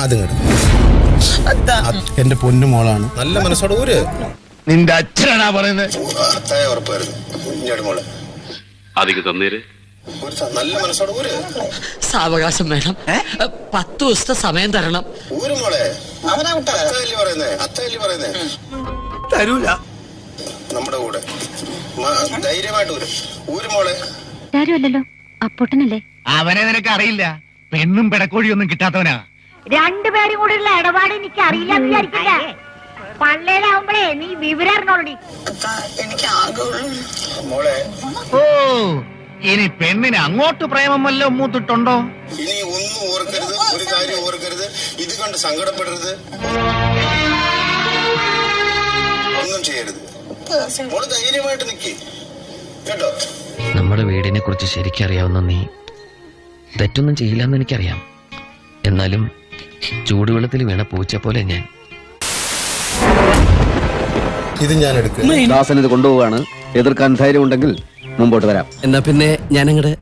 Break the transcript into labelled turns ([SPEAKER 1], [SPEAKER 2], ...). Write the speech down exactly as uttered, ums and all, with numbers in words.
[SPEAKER 1] അത് കേട്ടോ എന്റെ പൊന്നു മോളാണ്. നല്ല മനസ്സോടെ ഊര്.
[SPEAKER 2] നിന്റെ അച്ഛനാ പറയുന്നത്.
[SPEAKER 3] അത്തായ ഉറപ്പായിരുന്നു കുഞ്ഞാട് മോളെ
[SPEAKER 4] അതിക്ക് തന്നേര്.
[SPEAKER 3] നല്ല മനസ്സോടെ ഊര്.
[SPEAKER 5] സാവകാശം വേണം. പത്ത് ദിവസത്തെ സമയം തരണം.
[SPEAKER 3] ഊര് മോളെ. അത്തല്ലേ പറയുന്നേ അത്തല്ലേ പറയുന്നേ
[SPEAKER 2] തരൂല.
[SPEAKER 3] നമ്മുടെ കൂടെ ധൈര്യമായിട്ട് ഊര് ഊര് മോളെ.
[SPEAKER 6] ആരുമല്ലല്ലോ അപ്പൊട്ടനല്ലേ?
[SPEAKER 2] അവനെ നിനക്ക് അറിയില്ല. പെണ്ണും പിടക്കോഴിയൊന്നും കിട്ടാത്തവനാ.
[SPEAKER 6] രണ്ടുപേരും കൂടെയുള്ള ഇടപാട് എനിക്ക് അറിയില്ല വിചാരിക്കില്ല. പള്ളേലാവുമ്പളേ നീ വിവരം അറിഞ്ഞോളടി.
[SPEAKER 3] എനിക്ക് ആകെ മോളെ.
[SPEAKER 2] ഓ ഇനി പെണ്ണിന് അങ്ങോട്ട് പ്രേമം വല്ലതും മൂത്തിട്ടുണ്ടോ?
[SPEAKER 3] ഇനി ഒന്നും ഓർക്കരുത്, ഒരു കാര്യം ഓർക്കരുത്, ഇത് കണ്ട് സങ്കടപ്പെടരുത്, ഒന്നും ചെയ്യരുത്. മോള് ധൈര്യമായിട്ട് നിക്ക് കേട്ടോ.
[SPEAKER 7] നമ്മുടെ വീടിനെ കുറിച്ച് ശരിക്കറിയാവുന്ന നീ തെറ്റൊന്നും ചെയ്യില്ലെന്ന് എനിക്കറിയാം. എന്നാലും ചൂടുവെള്ളത്തിൽ വീണ പൂച്ച പോലെ ഞാൻ.
[SPEAKER 1] ഇത് ഞാൻ എടുക്കും.
[SPEAKER 8] ദാസൻ ഇത് കൊണ്ടുപോവാണ്. എതിർക്കാൻ ധൈര്യം ഉണ്ടെങ്കിൽ മുമ്പോട്ട് വരാം.
[SPEAKER 7] എന്നാ പിന്നെ ഞാനങ്ങട്